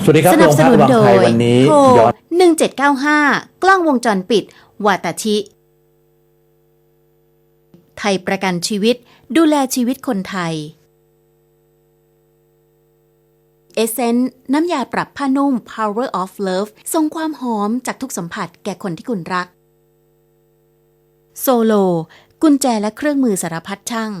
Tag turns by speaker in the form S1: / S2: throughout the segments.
S1: วัสดีครับ
S2: สนับสนุนโดย
S1: วันนี้
S2: โทร
S1: ย้อน
S2: 1795 กล้องวงจรปิด วาตาชิ ไทยประกันชีวิตดูแลชีวิตคนไทย เอเซนต์น้ำยาปรับผ้านุ่ม Power of Love ส่งความหอมจากทุกสัมผัสแก่คนที่คุณรัก โซโล กุญแจและเครื่องมือสารพัดช่าง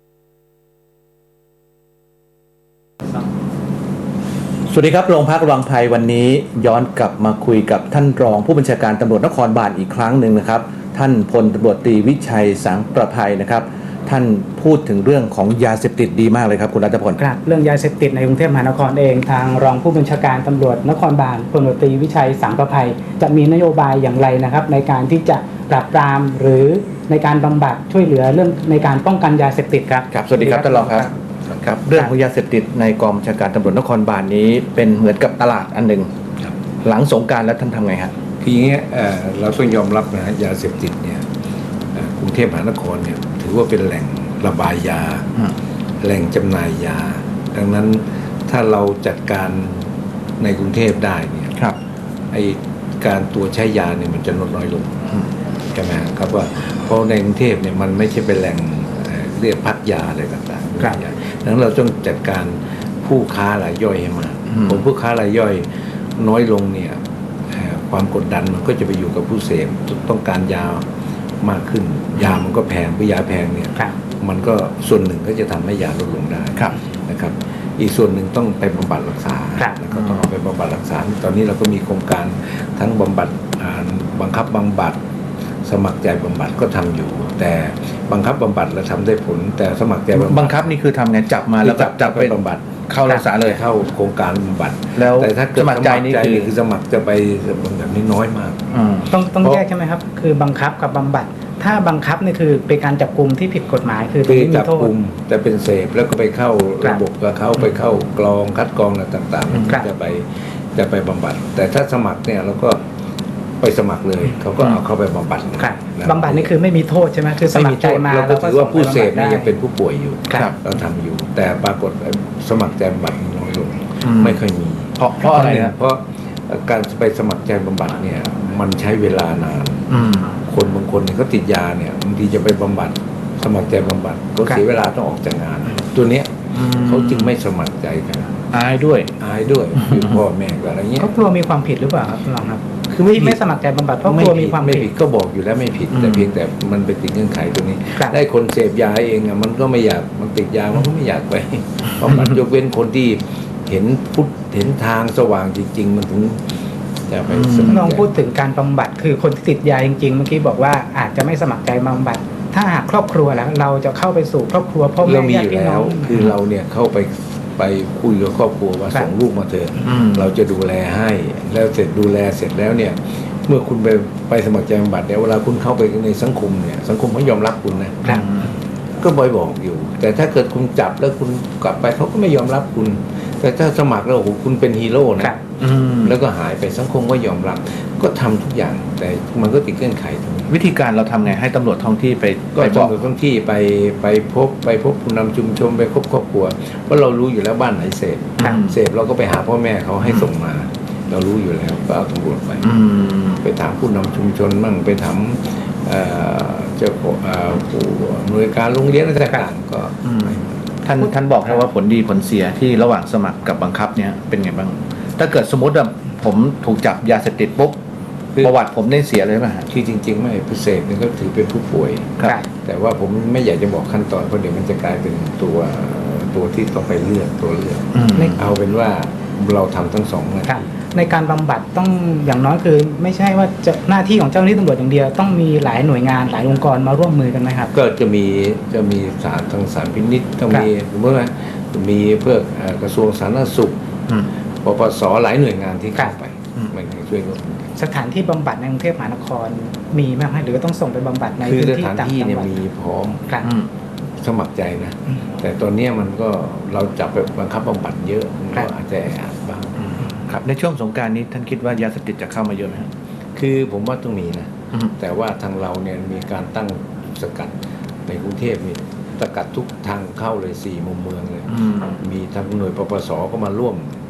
S1: สวัสดีครับโรงพักวังไพวันนี้ย้อนกลับมาคุยกับท่านรองผู้บัญชาการตำรวจนครบาลอีกครั้งหนึ่งนะครับท่านพลตำรวจตรีวิชัยสังประภัยนะครับท่านพูดถึงเรื่องของยาเสพติดดีมากเลยครับคุณรัตพล
S3: ครับเรื่องยาเสพติดในกรุงเทพมหานครเองทางรองผู้บัญชาการตำรวจนครบาลพลตำรวจตรีวิชัยสังประภัยจะมีนโยบายอย่างไรนะครับในการที่จะปราบปรามหรือในการบำบัดช่วยเหลือเรื่องในการป้องกันยาเสพติดครับ
S1: ครับสวัสดีครับท่านรองครับครับเรื่องของยาเสพติดในกองบัญชาการตำรวจนครบาลนี้เป็นเหมือนกับตลาดอันหนึ่งหลังสงกรานต์แล้วท่านทำไงฮะ
S4: คืออย่างเงี้ยเราต้องยอมรับนะฮะยาเสพติดเนี่ยกรุงเทพมหานครเนี่ยถือว่าเป็นแหล่งระบายยาแหล่งจำหน่ายยาดังนั้นถ้าเราจัดการในกรุงเทพได้เนี่ยไอการตัวใช้ยาเนี่ยมันจะลดน้อยลงใช่ไหมครับว่าเพราะในกรุงเทพเนี่ยมันไม่ใช่เป็นแหล่งเรียกพักยาอะไรต่างๆดังนั้นเราต้องจัดการผู้ค้ารายย่อยให้มากผมผู้ค้ารายย่อยน้อยลงเนี่ยความกดดันมันก็จะไปอยู่กับผู้เสพต้องการยามากขึ้นยามันก็แพงเพราะยาแพงเนี่ยมันก็ส่วนหนึ่งก็จะทำให้ยาลดลงได้นะครับอีกส่วนหนึ่งต้องไปบำบัดรักษาแล้วก็ต้องเอาไปบำบัดรักษาตอนนี้เราก็มีโครงการทั้งบำบัดบังคับบำบัดสมัครใจบำบัดก็ทำอยู่แต่บังคับบำบัดเราทำได้ผลแต่สมัครใจ
S1: บังคับนี่คือทำไงจับมาแล้วจับไป
S4: บำบัด
S1: เข้ารักษาเลย
S4: เข้าโครงการบำบัด
S1: แล้ว
S4: แต่ถ้าเกิด
S1: สมัครใจนี่
S4: คือสมัครจะไปแบบนี้น้อยมาก
S3: ต้องแยกใช่ไหมครับคือบังคับกับบำบัดถ้าบังคับนี่คือเป็นการจับกุมที่ผิดกฎหมายคือ
S4: ไม่มีโทษแต่เป็นเสพแล้วก็ไปเข้าระบบกับเขาไปเข้ากรองคัดกรองอะไรต่างๆจะไปบำบัดแต่ถ้าสมัครเนี่ยเราก็ไปสมัครเลยเขาก็เอาเข้าไปบำบัด
S3: บำบัดนี่คือไม่มีโทษใช่ไหมคือสมัครใจมา
S4: เราก็ถือว่าผู้เสพนี่ยังเป็นผู้ป่วยอยู่เราทำอยู่แต่ปรากฏสมัครใจบำบัดน้อยลงไม่ค่อยมี
S1: เพราะอะไรนะ
S4: เพราะการไปสมัครใจบำบัดเนี่ยมันใช้เวลานานคนบางคนเขาติดยาเนี่ยบางทีจะไปบำบัดสมัครใจบำบัดก็เสียเวลาต้องออกจากงานตัวเนี้ยเขาจึงไม่สมัครใจกัน
S1: อายด้วย
S4: อยู่พ่อแม่อะไรเงี้ย
S3: เขากลัวมีความผิดหรือเปล่าครับลองครับคือไม่สมัครใจบำบัดเพราะกลัวมีความผิด
S4: ก็บอกอยู่แล้วไม่ผิดแต่เพียงแต่มันไปติดเงื่อนไขตัวนี้ได้คนเสพยาเองอ่ะมันก็ไม่อยากมันติดยามันก็ไม่อยากไปบำบัดยกเว้นคนที่เห็นทางสว่างจริงๆมันถึงจะไป
S3: ลองพูดถึงการบำบัดคือคนที่ติดยาจริงๆเมื่อกี้บอกว่าอาจจะไม่สมัครใจบำบัดถ้าหากครอบครัวแล้วเราจะเข้าไปสู่ครอบครัวพ่อแม่ญาติพี่น้อง
S4: คือเราเนี่ยเข้าไปคุยกับครอบครัวว่าส่งลูกมาเถอะเราจะดูแลให้แล้วเสร็จดูแลเสร็จแล้วเนี่ยเมื่อคุณไปสมัครใจบำบัดเนี่ยเวลาคุณเข้าไปในสังคมเนี่ยสังคมเขายอมรับคุณนะก็บอกอยู่แต่ถ้าเกิดคุณจับแล้วคุณกลับไปเขาก็ไม่ยอมรับคุณแต่ถ้าสมัครแล้วโอ้โหคุณเป็นฮีโร่นะแล้วก็หายไปสังคมก็ยอมรับก็ทำทุกอย่างแต่มันก็ติดเงื่อนไขตรงนี้
S1: วิธีการเราทำไงให้ตำรวจท้องที่ไป
S4: บอกท้องที่ไปพบผู้นำชุมชนไปพบครอบครัวเพราะเรารู้อยู่แล้วบ้านไหนเสพเราก็ไปหาพ่อแม่เขาให้ส่งมาเรารู้อยู่แล้วก็เอาตำรวจไปถามผู้นำชุมชนมั่งไปถามเจ้าผู้หน่วยการโรงเรียนอะไรต่างๆก็
S1: ท่านบอกแค่ว่าผลดีผลเสียที่ระหว่างสมัครกับบังคับเนี่ยเป็นไงบ้างถ้าเกิดสมมติว่าผมถูกจับยาเสพติดปุ๊บประวัติผมได้เสียเลยไหม
S4: คือจริงๆไม่ผู้เสพนี่ก็ถือเป็นผู้ป่วยแต่ว่าผมไม่อยากจะบอกขั้นตอนเพราะเดี๋ยวมันจะกลายเป็นตัวที่ต้องไปเลือกเอาเป็นว่าเราทำทั้งสองนะ
S3: ในการบำบัดต้องอย่างน้อยคือไม่ใช่ว่าจะหน้าที่ของเจ้าหน้าที่ตำรวจอย่างเดียวต้องมีหลายหน่วยงานหลายองค์กรมาร่วมมือกันไหมครับ
S4: ก็จะมีศาลทางศาลพินิจต้องมีเมื่อมีเพื่อกระทรวงสาธารณสุขปปสหลายหน่วยงานที่เข้าไปมันช่วยกัน
S3: สถานที่บำบัดในกรุงเทพมหานครมีไหมหรือต้องส่งไปบำบัดในพื้นที่ต่างจังหวัด
S4: มีพร้อมสมัครใจนะแต่ตอนนี้มันก็เราจับไปบังคับบำบัดเยอะก็อาจจะบ้าง
S1: ครับในช่วงสงกรานต์นี้ท่านคิดว่ายาเสพติดจะเข้ามาเยอะไหม
S4: คือผมว่าต้องมีนะแต่ว่าทางเราเนี่ยมีการตั้งสกัดในกรุงเทพมีสกัดทุกทางเข้าเลย4 มุมเมืองเลยมีทางหน่วยปปสก็มาร่วม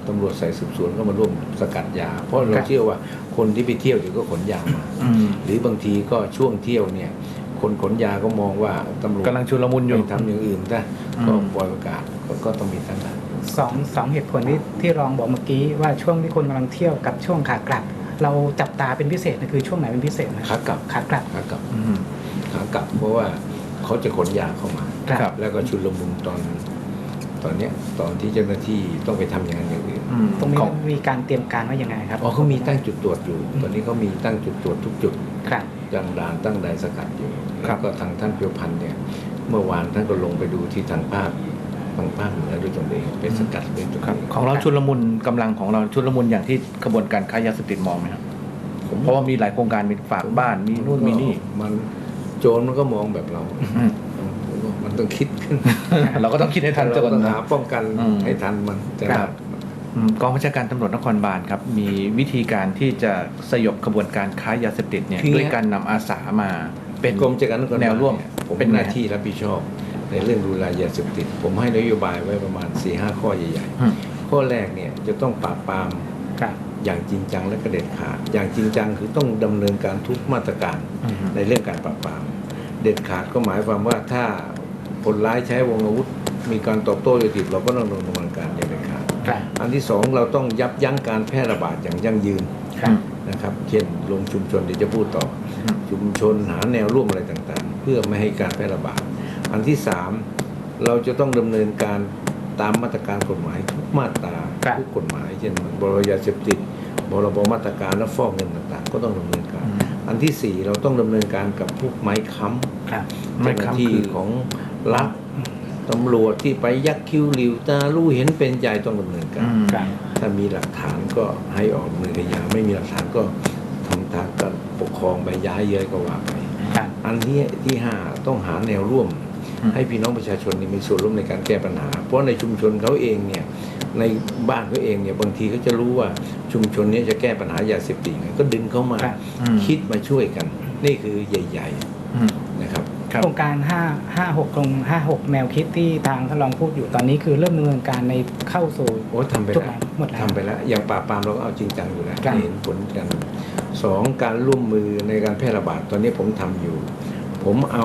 S4: ตำรวจสายสืบสวนก็มาร่วมสกัดยา เพราะเราเชื่อว่าคนที่ไปเที่ยวเดี๋ยวก็ขนยามา หรือบางทีก็ช่วงเที่ยวเนี่ยคนขนยาก็มองว่าตำรวจ
S1: กำลังชุลมุนอยู่
S4: ไปทำอย่างอื่นได้ก็ปล่อยประกาศก็ต้องมีทั้งนั้น
S3: สองเหตุผลที่รองบอกเมื่อกี้ว่าช่วงที่คนกำลังเที่ยวกับช่วงขากลับ เราจับตาเป็นพิเศษนะคือช่วงไหนเป็นพิเศษนะ
S4: ขากลับ
S3: ขากลับ
S4: ขากลับขากลับเพราะว่าเขาจะขนยาเข้ามา
S3: ครับ
S4: แล้วก็ชุลมุนตอนเนี้ยตอนที่เจ้าหน้าที่ต้องไปทำอย่างนั้นอย่างอื่น
S3: ตรงนี้
S1: ของ
S3: มีการเตรียมการว่ายังไงครับ
S4: อ๋อเขามีตั้งจุดตรวจอยู่ ตอนนี้เขามีตั้งจุดตรวจทุกจุด
S3: ครับ
S4: ตั้งด่านตั้งด่านสกัดอยู่
S1: ครั
S4: แล้
S1: บ
S4: วก็ทางท่านเพียวพันธ์เนี่ยเมื่อวานท่านก็ลงไปดูที่ทางภาคเหนือด้วยตนเองไปสกัดด้วยตน
S1: ครับ
S4: เอง
S1: ของเราชุลมุนกำลังของเราชุลมุนอย่างที่กระบวนการค้ายาเสพติดมองไหมครับเพราะว่ามีหลายโครงการมีฝากบ้านมีนู่นมีนี่
S4: มันโจรมันก็มองแบบเรา มันต้องคิดขึ้น
S1: เราก็ต้องคิดให้ทัน
S4: เรา
S1: จะ
S4: ต้องหาป้องกัน
S1: อืม
S4: ให้ทันมันแต่
S1: ครับ กองบัญชาการตำรวจนครบาลครับมีวิธีการที่จะสยบกระบวนการค้ายาเสพติดเนี่ยด้วยการนำอาสามาเป็น
S4: กรมจัดการนครบาล
S1: แนวร่วม
S4: เนี่ยผม
S1: เป็
S4: เป็น น
S1: ไง
S4: หน้าที่รับผิดชอบ ในเรื่องดูแลยาเสพติด ผมให้นโยบายไว้ประมาณ 4-5 ข้อใหญ่
S1: อืม
S4: ๆ ข้อแรกเนี่ยจะต้องปราบปราม
S3: ครับ
S4: อย่างจริงจังและกระเด็ดขาด อย่างจริงจังคือต้องดำเนินการทุกมาตรการ
S1: อืม
S4: ในเรื่องการปราบปราม เด็ดขาดก็หมายความว่าถ้าคนร้ายใช้วงอาวุธ มีการตอบโต้โดยติดเราก็ต้องดำเนินการอย่างเด็ดขาด
S3: ครับ
S4: อันที่สองเราต้องยับยั้งการแพร่ระบาดอย่างยั่งยืน
S3: ครับ
S4: นะครับเช่นลงชุมชนเดี๋ยวจะพูดต่อ
S1: อืม
S4: ชุมชนหาแนวร่วมอะไรต่างๆ เพื่อไม่ให้การแพร่ระบาด อันที่สามเราจะต้องดำเนินการตามมาตรการกฎหมายทุกมาตรา
S3: ครับ
S4: ทุกกฎหมาย เช่นบรบยาเสพติดบรบมาตรการและฟอกเงินต่างๆ ก็ต้องดำเนินการ อันที่สี่เราต้องดำเนินการกับพวกไม้ค้ำ
S3: ครับ
S1: ไม้
S4: เจ้าห
S1: ค้ำ
S4: น้าที่
S1: คือ
S4: ของรัฐตำรวจที่ไปยักคิ้วหลิวตาลู่เห็นเป็นใจต้องดำเนินการ
S3: ครับ
S4: ถ้ามีหลักฐานก็ให้ออกดำเนินคดีไม่มีหลักฐานก็ทำทางการปกครองไปย้ายเย้ยก็ว่าไป
S3: ครับ
S4: อันที่ห้าต้องหาแนวร่วม
S1: อืม
S4: ให้พี่น้องประชาชนนี่มีส่วนร่วมในการแก้ปัญหา เพราะในชุมชนเขาเองเนี่ยในบ้านเขาเองเนี่ยบางทีเขาจะรู้ว่าชุมชนนี้จะแก้ปัญหายาเสพติดไงก็ดึงเข้ามา
S3: ครับ
S4: คิดมาช่วยกัน นี่คือใหญ่
S1: อืม
S4: ๆนะครับ
S1: ครับ
S3: โครงการ556ตรง56แนวคิดที่ทางท่านรองพูดอยู่ตอนนี้คือเริ่มดำเนินการในเข้าสู่
S4: โอ้ทำไป
S3: จุด
S4: แล้ว
S3: ไหนหมดแล้ว
S4: ทำไปแล้วอย่างปราบปรามเราก็เอาจริงจังอยู่แล้ว
S3: ครับ
S4: เห็นผลกันสองการร่วมมือในการแพร่ระบาดตอนนี้ผมทำอยู่ ผมเอา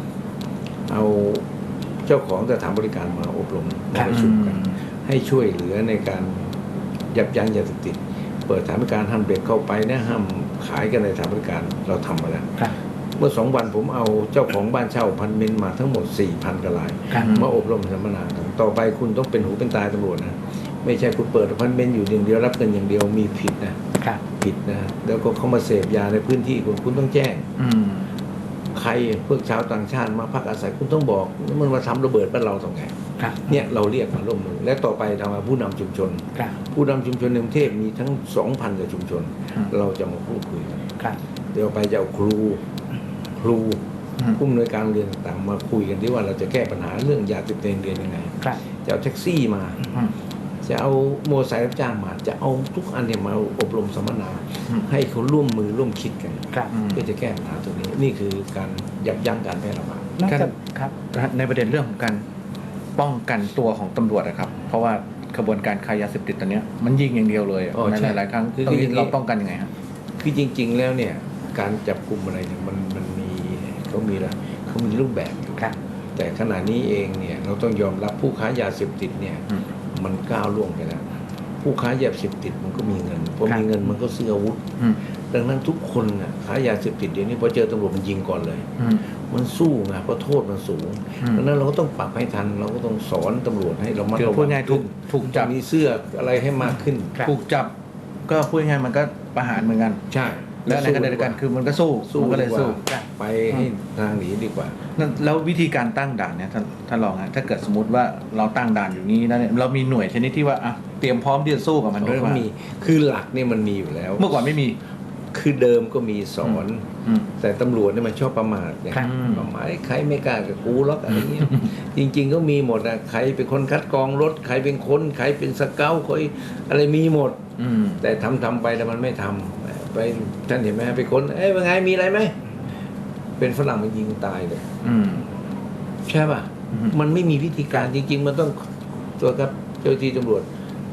S4: เจ้าของสถานบริการมาอบรมมาประชุมกัน ให้ช่วยเหลือในการยับยั้งยาเสพติด เปิดสถานบริการห้ามเด็กเข้าไปนะห้ามขายกันในสถานบริการเราทำมาแล้ว
S3: ครับ
S4: เมื่อ2 วันผมเอาเจ้าของบ้านเช่าพันเมนมาทั้งหมด 4,000 กว่าราย
S3: ครับ
S4: มาอบรมสัมมนากันต่อไปคุณต้องเป็นหูเป็นตาตำรวจนะไม่ใช่คุณเปิดพันเมนอยู่อย่างเดียวรับเงินอย่างเดียวมีผิดนะครับ ผิดนะแล้วก็เขามาเสพยาในพื้นที่คุณต้องแจ้ง
S1: อืม
S4: ใครพวกชาวต่างชาติมาพักอาศัยคุณต้องบอกมันมาทำระเบิดบ้านเราตรงไหน
S3: ครับ
S4: เนี่ยเราเรียกมาร่วมมือและต่อไปทำมาผู้นำชุมชน
S3: ครับ
S4: ผู้นำชุมชนในกรุงเทพมีทั้ง 2,000 กว่าชุมชน
S1: อืม
S4: เราจะมาพูดคุยกัน
S3: ครับ
S4: เดี๋ยวไปจะเอาครู ผู้อำนวยการโรงเรียนต่างๆมาคุยกันที่ว่าเราจะแก้ปัญหาเรื่องยาเสพติดเรียนยังไง
S3: ครับ
S4: จะเอาแท็กซี่มา
S1: อืม
S4: จะเอาโมอเตอร์ไซค์รับจ้างมา จะเอาทุกอันเนี่ยมาอบรมสัมมนา
S1: อืม
S4: ให้เขาร่วมมือร่วมคิดกัน
S3: ครับ
S4: เพื่อจะแก้ปัญหาตรงนี้ นี่คือการยับยั้งการแพร่ระบาด
S3: นอกจากครับ
S1: ในประเด็นเรื่องของการป้องกันตัวของตำรวจนะครับ เพราะว่ากระบวนการค้ายาเสพติดตอนเนี้ยมันยิงอย่างเดียวเลยอะ
S4: อ๋อ
S1: ใน
S4: ใช่
S1: หลายๆครั้ง
S4: คือ
S1: ตรงนี้
S4: อย่างนี้
S1: เราป้องกันยังไงครับ
S4: คือจริง ๆ แล้วเนี่ยการจับกลุ่มอะไรเนี่ยมันมีเขามีละเขามีรูปแบบอยู่
S3: ครับ
S4: แต่ขณะนี้เองเนี่ยเราต้องยอมรับผู้ค้ายาเสพติดเนี่ย
S1: อืม
S4: มันก้าวล่วงไปแล้ว ผู้ค้ายาเสพติดมันก็มีเงินพอ
S3: ครับ
S4: มีเงินมันก็ซื้ออาวุธ
S1: อืม
S4: ดังนั้นทุกคนน่ะค้ายาเสพติดเดี๋ยวนี้พอเจอตำรวจมันยิงก่อนเลย
S1: อืม
S4: มันสู้ไงเพราะโทษมันสูง
S1: อืม
S4: ดังนั้นเราก็ต้องปรับให้ทัน เราก็ต้องสอนตำรวจให้เรามัด
S1: คือ
S4: ระวั
S1: พูดง่ายถูก
S4: ขึ้น
S1: ถูกจับ
S4: มีเสื้ออะไรให้มากขึ้น
S3: ครับ
S1: ถูกจับก็พูดง่ายๆมันก็ประหารเหมือนกัน
S4: ใช่
S1: และในขณะเดียวกันคือมันก็สู้
S4: สู้
S1: มันก็เลย
S4: ดีว่า
S1: สู้
S4: ไปให้ทางหนีดีกว่า
S1: นั่นแล้ววิธีการตั้งด่านเนี่ยท่านรองฮะถ้าเกิดสมมติว่าเราตั้งด่านอยู่นี้แล้วเนี่ยเรามีหน่วยชนิดที่ว่าอ่ะเตรียมพร้อมที่จะสู้กับมันด้วย
S4: เขา
S1: ว่า
S4: มีคือหลักเนี่ยมันมีอยู่แล้ว
S1: เมื่อก่อนไม่มี
S4: คือเดิมก็มีสอน
S1: อืม
S4: แต่ตำรวจเนี่ยมันชอบประมาทไง
S3: ครับ
S4: ประมาทใครไม่กล้ากับกูหรอกอะไรเงี้ย จริง ๆ ก็มีหมดอะใครเป็นคนคัดกรองรถใครเป็นคนใครเป็นสเกลใครอะไรมีหมด
S1: อืม
S4: แต่ทำไปแต่มันไม่ทำไปท่านเห็นไหมไปคนเป็นไงมีอะไรไหมเป็นฝรั่งมันยิงตายเลย
S1: อืม
S4: ใช่ป่ะ
S1: อืม
S4: มันไม่มีวิธีการจริง ๆ มันต้องตัวครับเจ้าหน้าที่ตำรวจ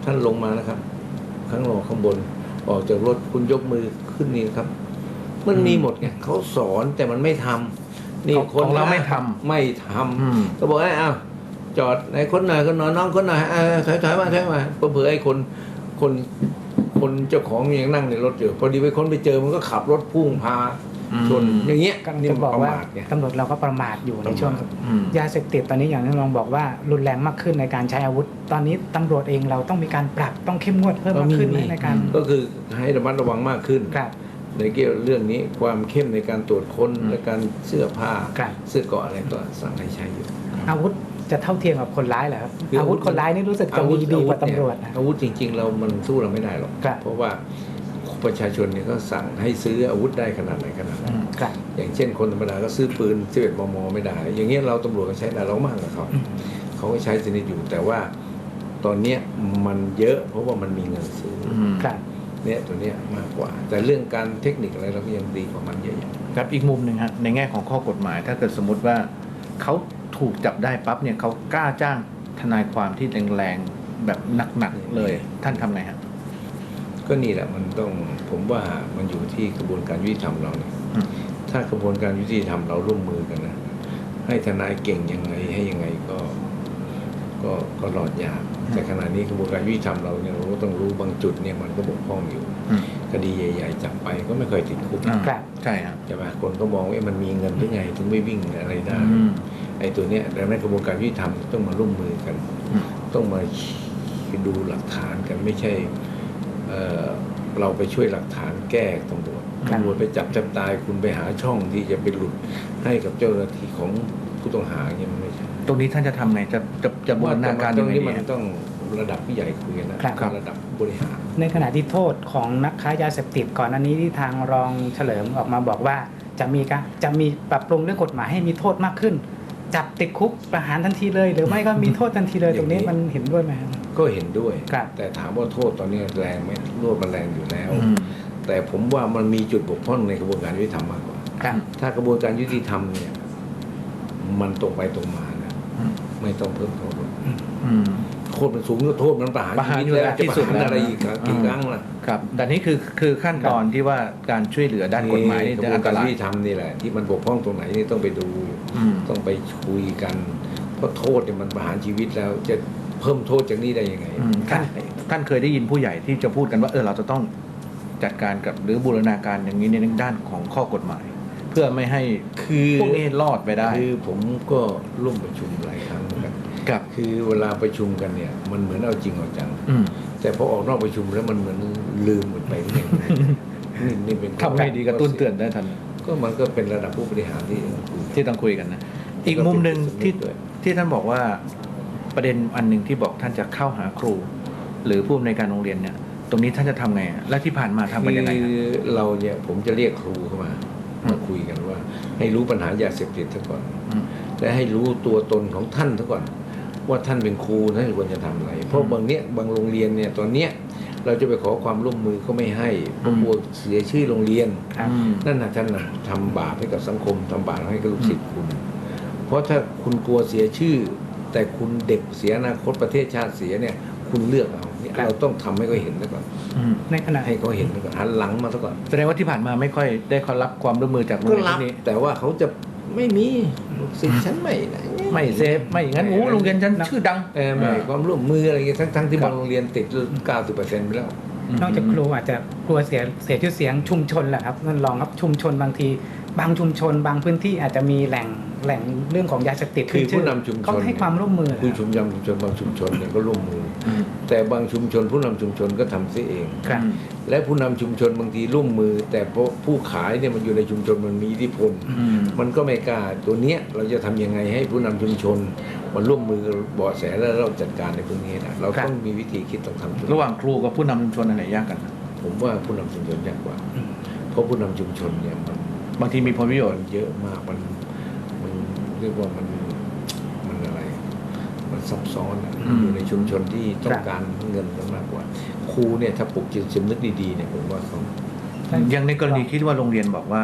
S4: ท่านลงมานะครับ ข้างรอข้างบนออกจากรถคุณยกมือขึ้นนี่ครับ มันมีหมดไงเขาสอนแต่มันไม่ทำนี่
S1: ของเราไม่ทำ
S4: ไม่ทำก็บอกไอ้อ้าวจอดไหนคนหน่อยคนหน่อยน้องคนหน่อยถอยมาเผื่อไอ้คนเจ้าของยังนั่งในรถอยู่พอดีไปคนไปเจอมันก็ขับรถพุ่งพาชนอย่างเงี้ย
S3: กำลัง
S4: นี่
S3: จะ
S4: มัน
S3: บอก
S4: ประ
S3: ว่า
S4: มาทไง
S3: ตำรวจเราก็ประมาทอยู่ในช่วง
S1: อืม
S3: ยาเสพติดตอนนี้อย่างที่รองบอกว่ารุนแรงมากขึ้นในการใช้อาวุธ ตอนนี้ตำรวจเองเราต้องมีการปรับต้องเข้มงวดเพิ่มมากขึ้นในการ
S4: ก็คือให้ระมัดระวังมากขึ้น
S3: ครับ
S4: ในเกี่ยวเรื่องนี้ความเข้มในการตรวจค้นและการเสื้อผ้า
S3: ครับ
S4: เสื้อเกราะอะไรก็สั่งให้ใช้อยู่
S3: อาวุธจะเท่าเทียมกับคนร้ายเหรอครับ
S4: คืออา
S3: อาวุธคนร้ายนี่รู้สึกจะมีดีกว่าตำรวจนะ
S4: อาวุธจริงๆเรามันสู้เราไม่ได้หรอก
S3: ครับ
S4: เพราะว่าประชาชนเนี่ยก็สั่งให้ซื้ออาวุธได้ขนาดไหนขนาดนั้น
S3: ครับ
S4: อย่างเช่นคนธรรมดาก็ซื้อปืน11 มมไม่ได้ อย่างเงี้ยเราตำรวจก็ใช้ได้เรามากกว่าเขา เขาก็ใช้ชนิดอยู่แต่ว่าตอนเนี้ยมันเยอะเพราะว่ามันมีเงินซื้ออ
S3: ครับ
S4: เนี่ยตัวเนี้ยมากกว่า แต่เรื่องการเทคนิคอะไรเราก็ยังดีกว่ามันเยอะๆ
S1: ครับอีกมุมหนึ่งฮะในแง่ของข้อกฎหมาย ถ้าเกิดสมมติว่าเขาถูกจับได้ปั๊บเนี่ยเขากล้าจ้างทนายความที่แรงๆแบบหนักๆเลย ท่านทำไงฮะ
S4: ก็นี่แหละมันต้องผมว่ามันอยู่ที่กระบวนการยุติธรรมเราเนี่ย
S1: อืม
S4: ถ้ากระบวนการยุติธรรมเราร่วมมือกันนะให้ทนายเก่งยังไงให้ยังไงก็รอดยากแต่ขณะนี้กระบวนการยุติธรรมเราเนี่ยเราก็ต้องรู้บางจุดเนี่ยมันก็บกพร่องอยู่
S1: อืม
S4: คดีใหญ่ๆจับไปก็ไม่เคยติดคุก
S3: ครับ
S1: ใช่ครับ
S4: ใช่ไหมคนก็มองว่ามันมีเงินหรือไงถึงไม่วิ่งอะไรได้
S1: อืม
S4: ไอ้ตัวเนี้ยดังนั้นกระบวนการยุติธรรมต้องมาร่วมมือกัน
S1: อืม
S4: ต้องมาดูหลักฐานกันไม่ใช่เราไปช่วยหลักฐานแก้ตำรวจ
S3: ครับ
S4: ตำรวจไปจับตายคุณไปหาช่องที่จะไปหลุดให้กับเจ้าหน้าที่ของผู้ต้องหาเนี่ยมันไม่ใช่
S1: ตรงนี้ท่านจะทำไงจะบูรณาการ
S4: ตร
S1: ยัง
S4: ง
S1: ไง
S4: นี้
S1: ดี
S4: มัน
S1: ฮะ
S4: ต้องระดับผู้ใหญ่คุยกันนะครับ ระดับบริหาร
S3: ในขณะที่โทษของนักค้ายาเสพติดก่อนอันนี้ที่ทางรองเฉลิมออกมาบอกว่าจะมีปรับปรุงเรื่องกฎหมายให้มีโทษมากขึ้น จับติดคุกประหารทันทีเลย หรือไม่ก็มีโทษทันทีเลย ตรงนี้มันเห็นด้วยไหมครับ
S4: ก็เห็นด้วย
S3: ครับ
S4: แต่ถามว่าโทษตอนนี้แรงไหมโทษมันแรงอยู่แล้ว
S1: อืม
S4: แต่ผมว่ามันมีจุดบกพร่องในกระบวนการยุติธรรมมากกว่า
S3: ครับ
S4: ถ้ากระบวนการยุติธรรมเนี่ยมันตรงไปตรงมานะ
S1: อืม
S4: ไม่ต้องเพิ่มโทษหรอก
S1: อืม
S4: โทษมันสูงก็โทษมันประหาร
S1: ประหาร
S4: ชีวิต
S1: อยู่แล้ว
S4: จะ
S1: ที่
S4: ประ
S1: สุด
S4: หาร
S1: แล้ว
S4: อะไรอีกครับ
S1: อืม
S4: กี่ครั้งล่ะ
S1: ครับแต่นี่คือขั้นตอนที่ว่าการช่วยเหลือด้านกฎหมายนี่
S4: ก
S1: จะ
S4: ระบว
S1: อั
S4: น
S1: นต
S4: การ
S1: รา
S4: ยุ
S1: ย
S4: ติธรรมนี่แหละที่มันบกพร่องตรงไหนนี่ต้องไปดู
S1: อืม
S4: ต้องไปคุยกัน เพราะโทษเนี่ยมันประหารชีวิตแล้วจะเพิ่มโทษจากนี้ได้ยังไง
S1: อืมท่านเคยได้ยินผู้ใหญ่ที่จะพูดกันว่าเราจะต้องจัดการกับหรือบูรณาการอย่างนี้ในด้านของข้อกฎหมาย เพื่อไม่ให้
S4: คือ
S1: พวกนี้รอดไปได้
S4: คือผมก็ร่วมประชุมหลายครั้งเหมือนกัน
S1: กับ
S4: คือเวลาประชุมกันเนี่ยมันเหมือนเอาจริงเอาจัง
S1: อืม
S4: แต่พอออกนอกประชุมแล้วมันเหมือนลืมหมดไปเนี่ยนี่เป็น
S1: ทำไงดีกระตุ้นเตือนได้ทัน
S4: ก็มันก็เป็นระดับผู้บริหารที่ต้องคุย
S1: ที่ต้องคุยกันนะ อีกมุมหนึ่งที่ท่านบอกว่าประเด็นอันหนึ่งที่บอกท่านจะเข้าหาครู หรือผู้อำนวยการโรงเรียนเนี่ย ตรงนี้ท่านจะทำไงอะและที่ผ่านมาทำกันยังไง
S4: คื
S1: ฮะ
S4: อเราเนี่ยผมจะเรียกครูเข้ามา
S1: อืม
S4: มาคุยกันว่า ให้รู้ปัญหายาเสพติดซะก่อน
S1: อืม
S4: และให้รู้ตัวตนของท่านซะก่อน ว่าท่านเป็นครูท่านควรจะทำอะไร เพราะบางโรงเรียนเนี่ยตอนเนี้ยเราจะไปขอความร่วมมือก็ไม่ให้เพราะกลัวเสียชื่อโรงเรียน
S3: ครับ
S1: อืม
S4: นั่นนะท่านนะทำบาปให้กับสังคมทำบาปให้กับลูกศิษย์คุณ เพราะถ้าคุณกลัวเสียชื่อ แต่คุณเด็กเสียอนาคตประเทศชาติเสียเนี่ยคุณเลือกเอาเนี่ย
S3: ครับ
S4: เราต้องทำให้เขาเห็นซะก่อน
S1: อืม
S3: ในขณะ
S4: ให้เขาเห็นซะก่อนหันหลังมาซะก่อน
S1: แสดงว่าที่ผ่านมาไม่ค่อยได้ขอรับความร่วมมือจากโรง
S4: ก็
S1: เรียน
S4: รับ
S1: ที่นี้
S4: แต่ว่าเขาจะไม่มีลูกศิษย์ฉันไม่นะ
S1: ไม่เซฟไม่อย่างนั้นโอ้โรงเรียนฉันชื่อดัง
S4: ไม่ให้ความร่วมมืออะไรเงี้ยทั้งที่
S1: ครับ
S4: บางโรงเรียนติด 90%ไปแล้ว
S3: นอกจากครูอาจจะกลัวเสียชื่อเสียงชุมชนแหละครับนั่นรองครับชุมชนบางที บางชุมชน บางพื้นที่อาจจะมีแหล่งเรื่องของยาเสพติด
S4: คือ
S3: ขึ้
S4: ผู้นำชุมชน
S3: เขาให้ความร่วมมือเหรอ
S4: ผู้
S3: ครับ
S4: ชุมชนบางชุมชนเนี่ยก็ร่วมมืออ
S1: ม
S4: แต่บางชุมชนผู้นำชุมชนก็ทำเสียเอง
S3: ครับ
S4: และผู้นำชุมชนบางทีร่วมมือ แต่เพราะผู้ขายเนี่ยมันอยู่ในชุมชนมันมีอิทธิพล
S1: อืม
S4: มันก็ไม่กล้าตัวเนี้ยเราจะทำยังไงให้ผู้นำชุมชนมันร่วมมือเบาะแสแล้วเราจัดการในพวกนี้นะเรา
S3: ครับ
S4: ต้องมีวิธีคิดต้องทำ
S1: ระหว่างครูกับผู้นำชุมชนอันไหนยากกัน
S4: ผมว่าผู้นำชุมชนยากกว่า เพราะผู้นำชุมชนเนี่ยมัน
S1: บางทีมีผลประโยชน์
S4: เยอะมากมันเรียกว่ามันอะไร มันซับซ้อนอะ
S1: อืม
S4: อยู่ในชุมชนที่ต้องการเงินมากกว่า ครูเนี่ยถ้าปลุกจิตสำนึกดีๆเนี่ยผมว่าเขา
S1: อย่างในกรณีที่ว่าโรงเรียนบอกว่า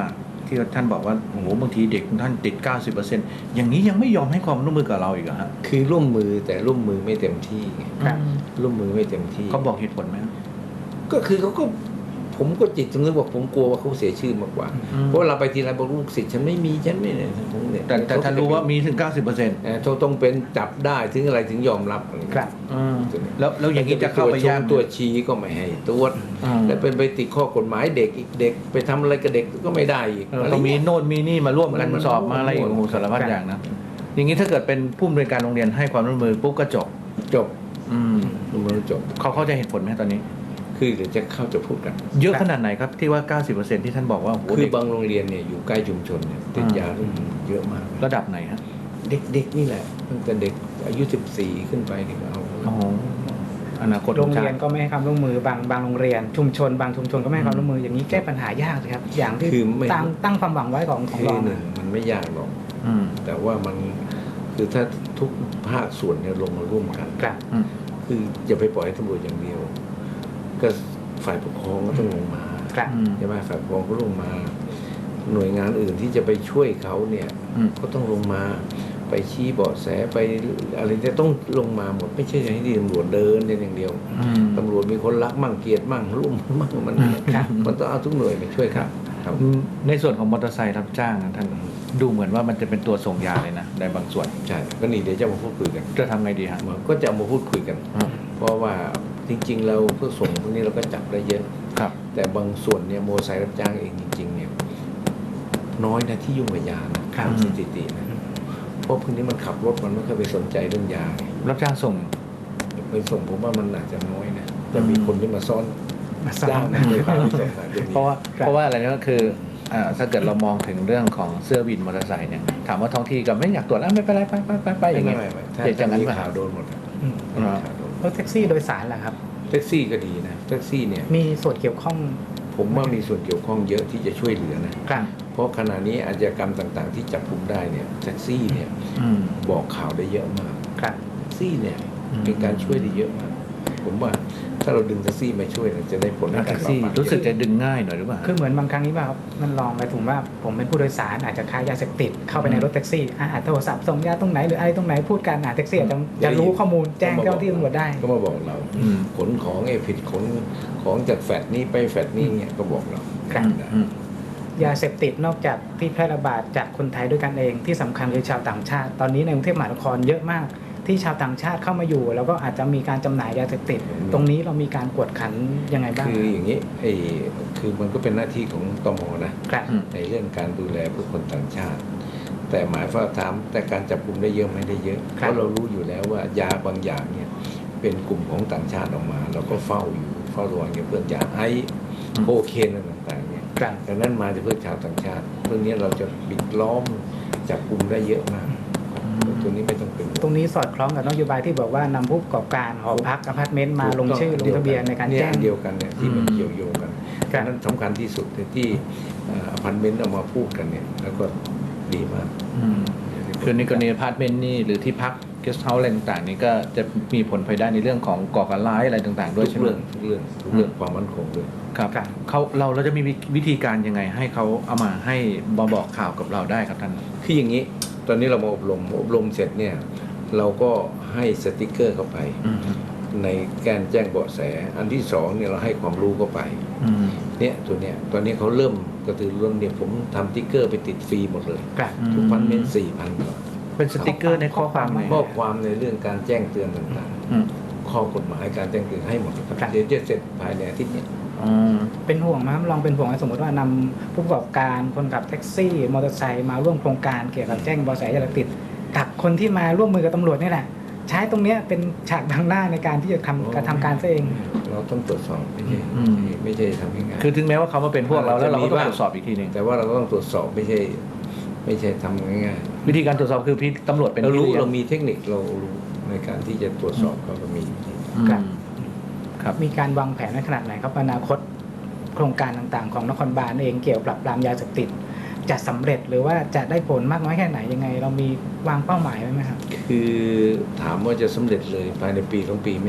S1: ที่ท่านบอกว่าโอ้โหบางทีเด็กท่านติด 90%อย่างนี้ยังไม่ยอมให้ความร่วมมือกับเราอีกเหรอฮะ
S4: คือร่วมมือแต่ร่วมมือไม่เต็มที่ไง
S3: ครับ
S4: ร่วมมือไม่เต็มที่
S1: เขาบอกเหตุผลไหม
S4: ก็คือเขาก็ผมก็จิตสำนึกว่าผมกลัวว่าเขาเสียชื่อมากกว่า เพราะเราไปทีไรบอกลูกศิษย์ฉันไม่มีฉันไม่เนี่ยผมเนี่ย
S1: แต่ท่านรู้ว่ามีถึง 90%
S4: เขาต้องเป็นจับได้ถึงอะไรถึงยอมรับอะไร
S3: ครับ
S1: แล้วอย่างนี้จะเข้าไปยากไหม
S4: ตัวชี้ก็ไม่ให้ตรวจ
S1: อืม
S4: แล้วเป็นไปติดข้อกฎหมายเด็กอีกเด็กไปทำอะไรกับเด็กก็ไม่ได้อีก
S1: เรามีโน่นมีนี่มาร่วมกัน
S4: มัน
S1: สอบมาอะไรอีกโอ้โหสารพัดอย่างนะอย่างนี้ถ้าเกิดเป็นผู้อำนวยการโรงเรียนให้ความร่วมมือปุ๊บก็จบ
S4: จบ
S1: อืม
S4: มันจบ
S1: เขาเข้าใจเหตุผลไหมตอนนี้
S4: คือเดี๋ยวจะเข้าจะพูดกัน
S1: เยอะขนาดไหนครับที่ว่า 90% ที่ท่านบอกว่าโอ้โห
S4: คือ
S1: เด็ก
S4: บางโรงเรียนเนี่ยอยู่ใกล้ชุมชนเนี่ยติดยาเรื่องเยอะมาก
S1: ระดับไหนฮะ
S4: เด็กๆนี่แหละตั้งแต่เด็กอายุ14ขึ้นไปนี่ก็เอา
S1: โอ้โหอนาคต
S3: โรง
S1: ชา
S3: เรียน
S1: ติ
S3: ก็ไม่ให้ความร่วมมือบางโรงเรียนชุมชนบางชุมชนก็ไม่ให้ความร่วมมืออย่างนี้แก้ปัญหายากเลยครับ อย่างที่
S4: คือไม่
S3: ตั้งความหวังไว้ของ
S4: คือ
S3: เรา
S4: หนึ่งมันไม่ยากหรอก
S1: อืม
S4: แต่ว่ามันคือถ้าทุกภาคส่วนเนี่ยลงมาร่วมกัน
S3: ครับ
S1: อืม
S4: คืออย่าไปปล่อยให้ตำรวจอย่างเดียว ก็ฝ่ายปกครองก็ต้องลงมา
S3: ครับ
S1: อืม
S4: ใช่ไหมฝ่ายปกครองก็ลงมา หน่วยงานอื่นที่จะไปช่วยเขาเนี่ย
S1: อืม
S4: ก็ต้องลงมาไปชี้เบาะแสไปอะไรจะต้องลงมาหมดไม่ใช่ให้ที่ตำรวจเดินอย่างเดียว
S1: อืม
S4: ตำรวจมีคนรักมั่งเกลียดมั่งร่วมมั่งมัน
S3: ครับ
S4: มันต้องเอาทุกหน่วยมาช่วยครับครับ
S1: ในส่วนของมอเตอร์ไซค์รับจ้างนะท่านดูเหมือนว่ามันจะเป็นตัวส่งยาเลยนะในบางส่วน
S4: ใช่ก็นี่เดี๋ยวจะมาพูดคุยกัน
S1: จะทำไงดีฮะ
S4: ก็จะเอามาพูดคุยกัน
S1: อืม
S4: เพราะว่าจริงๆเราเพื่อส่งพวกนี้เราก็จับได้เยอะ
S1: ครับ
S4: แต่บางส่วนเนี่ยโมอเตอร์ไซค์รับจ้างเองจริงๆเนี่ยน้อยนะที่ยุ่งกับยานะครับ สถิตินะเพราะพวกนี้มันขับรถมันไม่เคอยไปสนใจเรื่องยาไง
S1: รับจ้างส่ง
S4: ไปส่งผมว่ามันอาจจะน้อยนะจะมีคนที่มาซ่อน
S3: มาสร้า
S4: จ้าง
S3: ง
S4: นะเลยพาไปส่งสายเป็น
S1: เพราะว่าอะไรนะก็คือถ้าเกิดเรามองถึงเรื่องของเสื้อวินมอเตอร์ไซค์เนี่ยถามว่าท้องที่ก็ไม่อยากตรวจแล้วไม่เป็นไรไปอย่างเงี้ย
S4: ไม่ถ้า
S1: เดี๋ยวจะงั้น
S4: มี
S1: ป่ะ
S4: ข่าวโดนหมดอะ
S3: อืม
S1: ครับ
S4: ข่าวโดน
S3: รถแท็กซี่โดยสารล่ะครับ
S4: แท็กซี่ก็ดีนะแท็กซี่เนี่ย
S3: มีส่วนเกี่ยวข้อง
S4: ผมว่ามีส่วนเกี่ยวข้องเยอะที่จะช่วยเหลือนะ
S3: ครับ
S4: เพราะขณะนี้อาชญากรรมต่างๆ ที่จับกุมได้เนี่ยแท็กซี่เนี่ย
S1: อืม
S4: บอกข่าวได้เยอะมาก
S3: ครับ
S4: แท็กซี่เนี่ย
S1: อืม
S4: เป็นการช่วยได้เยอะมาก ผมว่าถ้าเราดึงแท็กซี่มาช่วยเนี่ยจะได้ผลใน
S1: แท็
S4: การ
S1: กซี่
S4: ปราบปราม
S1: รู้สึกจะดึงง่ายหน่อยหรือเปล่า
S3: คือเหมือนบางครั้งนี้ป่ะครับมันลองไปถึงว่าผมเป็นผู้โดยสารอาจจะค้ายาเสพติดเข้าไปในรถแท็กซี่โทรศัพท์ส่งยาตรงไหนหรืออะไรตรงไหนพูดกันแท็กซี่อาจจะรู้ข้อมูลแจ้งเจ้าหน้าที่ตำรวจได้
S4: ก็มาบอกเรา
S1: อืม
S4: ขนของผิดขนของจากแฟดนี้ไปแฟดนี้เนี่ยก็บอกเรา
S3: ครับ
S1: อืม
S3: ยาเสพติดนอกจากที่แพร่ระบาดจากคนไทยด้วยกันเองที่สำคัญคือชาวต่างชาติ ตอนนี้ในกรุงเทพมหานครเยอะมาก ที่ชาวต่างชาติเข้ามาอยู่ แล้วก็อาจจะมีการจำหน่ายยาเสพติด ตรงนี้เรามีการกวดขันยังไงบ้าง
S4: คืออย่างนี้คือมันก็เป็นหน้าที่ของตมนะ
S3: ครับ
S1: อืม
S4: ในเรื่องการดูแลผู้คนต่างชาติ แต่หมายว่าถามแต่การจับกลุ่มได้เยอะไม่ได้เยอะ
S3: ครั
S4: เพ
S3: บ
S4: ราะเรารู้อยู่แล้วว่ายาบางอย่างเนี่ยเป็นกลุ่มของต่างชาติออกมา เราก็เฝ้าอยู่เฝ้าระวังอย่างเพื่อนยาไอซ์โคเคนอะไรต่างๆเนี่ย
S3: ครับ
S4: ดังนั้นมาจากเพื่อนชาวต่างชาติเรื่องนี้เราจะปิดล้อมจับกลุ่มได้เยอะมากตัวนี้ไม่ต้องเป็นห่วง
S3: ตรงนี้สอดคล้องกับนโยบายที่บอกว่านำผู้ประกอบการหอพักอพาร์ตเมนต์มาลงชื่อลงทะเบียนในการแจ้ง
S4: เดียวกันเนี่ยที่มันเกี่ยวโยงกัน
S3: ครับ
S4: นั้นสำคัญที่สุดที่อพาร์ตเมนต์เอามาพูดกันเนี่ยแล้วก็ดีมาก
S1: อืมคือในกรณีอพาร์ตเมนต์นี่หรือที่พักเกสต์เฮาส์อะไรต่างๆนี่ก็จะมีผลภายได้ในเรื่องของก่อการร้ายอะไรต่างๆ ด้วย
S4: ทุ
S1: ใช่
S4: ก
S1: ไหม
S4: เรื่องทุกเรื่องความมั่นคงด้วย
S1: ครับ
S3: ครับ
S1: เราจะมีวิธีการยังไงให้เขาเอามาให้บอกข่าวกับเราได้ครับท่าน
S4: คืออย่างนี้ตอนนี้เรามาอบรมเสร็จเนี่ยเราก็ให้สติกเกอร์เข้าไป
S1: อืม
S4: ในการแจ้งเบาะแสอันที่สองเนี่ยเราให้ความรู้เข้าไป
S1: อืม
S4: เนี่ยตัวเนี้ยตอนนี้เขาเริ่มกระตือรือร้นเนี่ยผมทำสติ๊กเกอร์ไปติดฟรีหมดเลย
S3: ครับ
S4: ทุกพันเมน4,000 กว่า
S1: เป็นสติกเกอร์ในข้อความไหน
S4: ข้อความในเรื่องการแจ้งเตือนต่าง
S1: อืม
S4: ๆ ข้อกฎหมายการแจ้งเตือนให้หมดครับ
S3: ครับ
S4: เดี๋ยวจะเสร็จภายในอาทิตย์เนี้
S1: อืม
S3: เป็นห่วงไหมครับลองเป็นห่วงไหมสมมติว่านำผู้ประกอบการคนขับแท็กซี่มอเตอร์ไซค์มาร่วมโครงการเกี่ยวกับแจ้งเบาะแสยาเสพติดกับคนที่มาร่วมมือกับตำรวจนี่แหละ ใช้ตรงเนี้ยเป็นฉากบังหน้าในการที่จะกระทำการซะเอง
S4: เราต้องตรวจสอบไม่ใช่ทำง่ายๆ
S1: คือถึงแม้ว่าเขามาเป็นพวกเราแล้วเราก็ต้องตรวจสอบอีกทีหนึ่ง
S4: แต่ว่าเราก็ต้องตรวจสอบไม่ใช่ทำง่าย
S1: วิธีการตรวจสอบคือพี่ตำรวจเป็น
S4: ๆเรารู้
S1: พี่ลี้ยง
S4: เรามีเทคนิคเรารู้ในการที่จะตรวจสอบเรามีวิธี
S1: อืม
S3: ครับ
S1: ครับ
S3: มีการวางแผนในขนาดไหนครับอนาคตโครงการต่างๆ ของนครบาลเองเกี่ยวกับปราบปรามยาเสพติดจะสำเร็จหรือว่าจะได้ผลมากน้อยแค่ไหนยังไง เรามีวางเป้าหมายไว้ไหมครับ
S4: คือถามว่าจะสำเร็จเลยภายในปี2 ปีไม่ยาก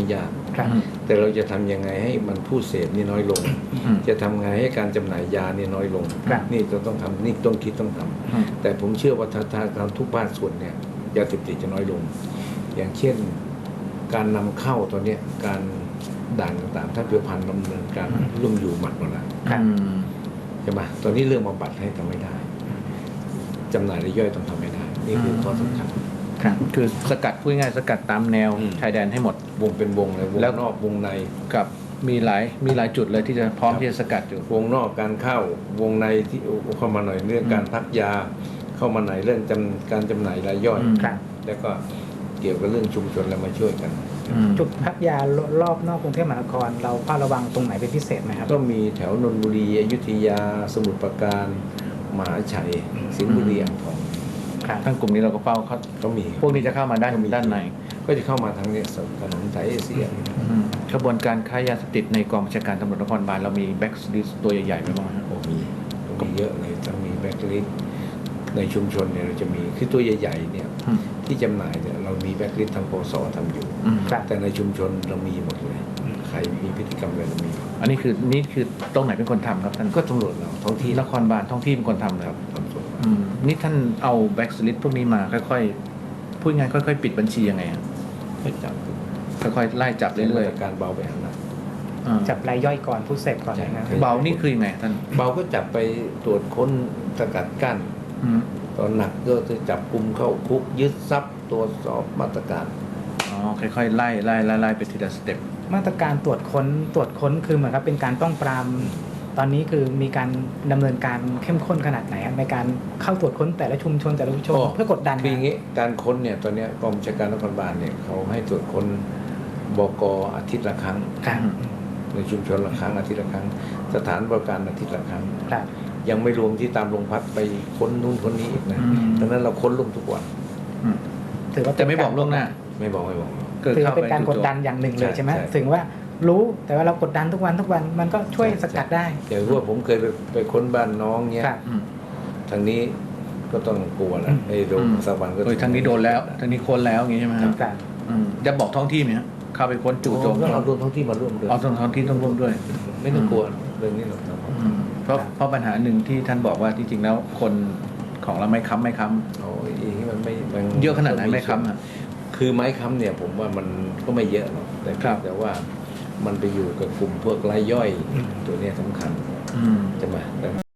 S3: ครับ
S4: แต่เราจะทำยังไงให้มันผู้เสพนี่น้อยลง
S1: อืม
S4: จะทำไงให้การจำหน่ายยานี่น้อยลง
S3: ครับ
S4: นี่ต้องทำนี่ต้องคิดต้องทำ
S1: อืม
S4: แต่ผมเชื่อว่าถ้าทางทุกภาคส่วนเนี่ยยาเสพติดจะน้อยลง อย่างเช่นการนำเข้าตอนเนี้ยการด่านต่างๆถ้าเพียวพันดำเนินการร่วมอยู่หมัดหมดแล้ว
S3: ครับ
S1: อืม
S4: ใช่ไหมตอนนี้เรื่องบำบัดให้ทำไม่ได้จำหน่ายรายย่อยต้องทำไม่ได้นี่คือข้อสำคัญ
S1: ครับคือสกัดพูดง่ายๆสกัดตามแนว
S4: อืม
S1: ชายแดนให้หมด
S4: วงเป็นวงเลยวง
S1: แล้ว
S4: นอกวงใน
S1: กับมีหลายจุดเลยที่จะพร้อมที่จะสกัดอยู่
S4: วงนอกการเข้าวงในที่เข้ามาหน่อยเรื่องการพักยาเข้ามาหน่อยเรื่องการจำหน่ายรายย่อย
S1: อืม
S3: ครับ
S4: แล้วก็เกี่ยวกับเรื่องชุมชนแล้วมาช่วยกัน
S3: จุดพักยารอบนอกกรุงเทพมหานครเราเฝ้าระวังตรงไหนเป็นพิเศษไหมครับ
S4: ก็มีแถวนนทบุรีอยุธยาสมุทรปราการมหาชัยสิงห์บุรีอ่างทอง
S3: ครับ
S1: ทั้งกลุ่มนี้เราก็เฝ้าเขา
S4: ก็มี
S1: พวกนี้จะเข้ามาด้านใน
S4: ก็จะเข้ามาทางเนี้ยถนนสายเอเชีย
S1: กระบวนการค้ายาเสพติดในกองบัญชาการตำรวจนครบาลเรามีแบ็กลิสตัวใหญ่ๆไหมบ้างครับ
S4: โอ้มีเยอะเลยต้องมีแบ็คลิสต์ในชุมชนเนี่ยเราจะมีคือตัวใหญ่ๆเนี่ย
S1: อืม
S4: ที่จำหน่ายเนี่ยเรามีแบ็คลิสต์ทางปสทำอยู่
S3: ครับ
S4: แต่ในชุมชนเรามีหมดเลย ใครมีพฤติกรรมอะไรเรามีหมด
S1: อันนี้คือตรงไหนเป็นคนทำครับท่าน
S4: ก็ตำรวจเราท้องที่
S1: นครบาลท้องที่เป็นคนทำเลย
S4: ครับทำส่วน
S1: นี่ท่านเอาแบ็กลิสพวกนี้มาค่อยๆพูดง่ายๆค่อยๆปิดบัญชียังไงครับ
S4: ก็จับ
S1: ค่อยๆไล่จับ
S4: เรื่
S1: เรื่
S4: อ
S1: อย
S4: ยๆการเบาไปหาหนัก
S1: ๆ
S3: จับรายย่อยก่อนผู้เสพก่อนนะครับ
S4: ใช่
S1: เบานี่คือยังไงท่าน
S4: เบาก็จับไปตรวจค้นสกัดกั้น
S1: อืม
S4: ตอนหนักก็จะจับกลุ่มเข้าคุกยึดทรัพย์ตรวจสอบมาตรการ
S1: อ๋อค่อยๆไล่ไปทีละสเต็ป
S3: มาตรการตรวจค้นคือเหมือนกับเป็นการต้องปรามตอนนี้คือมีการดำเนินการเข้มข้นขนาดไหนครับในการเข้าตรวจค้นแต่ละชุมชนเพื่อกดดัน
S4: คืออย่างนี้การค้นเนี่ยตอนเนี้ยกองบัญชาการนครบาลเนี่ยเขาให้ตรวจค้นบกอาทิตย์ละครั้ง
S3: ครับ
S4: ในชุมชนละครั้งอาทิตย์ละครั้ง สถานบริการอาทิตย์ละครั้ง
S3: ครับ
S4: ยังไม่รวมที่ตามโรงพักไปค้นนู่นค้นนี้อีกนะ
S1: อืม
S4: ดังนั้นเราค้นรวมทุกวัน
S3: ถือว่า
S1: แต่ไม่บอกล่วงหน้า
S4: ไม่บอก
S3: ถือว่าเป็นการกดดันอย่างหนึ่งเลยใช่ไหม
S4: ใช่
S3: ถึงว่ารู้แต่ว่าเรากดดันทุกวันมันก็ช่วยสกัดได้
S4: อย่างว่าผมเคยไปค้นบ้านน้องเนี้ย
S3: ครับ
S1: อืม
S4: ทางนี้ก็ต้องกลัวแล้วไอ้โดนสักวันก็
S1: โดยทางนี้โดนแล้วทางนี้ค้นแล้วอย่างนี้ใช่ไหมครับ
S3: ครับ
S1: จะบอกท้องที่ไหมครับเข้าไปค้นจู่โจม
S4: ก็เอารวมท้องที่มาร่วมด้วย
S1: เอาท้องที่ต้องร่วมด้วย
S4: ไม่ต้องกลัวเรื่องนี้เราทำ
S1: เพราะปัญหาหนึ่งที่ท่านบอกว่าที่จริงแล้วคนของเราไม่ค้ำ
S4: โอ้ยอีนี่มันไม่มัน
S1: เยอะขนาดไหนไม่ค้ำอ่ะ
S4: คือไม้ค้ำเนี่ยผมว่ามันก็ไม่เยอะหรอกแต่
S1: ครับ
S4: แต่ว่ามันไปอยู่กับกลุ่มพวกรายย่อยตัวเนี้ยสำคัญ
S1: อืม
S4: ใช่ไหม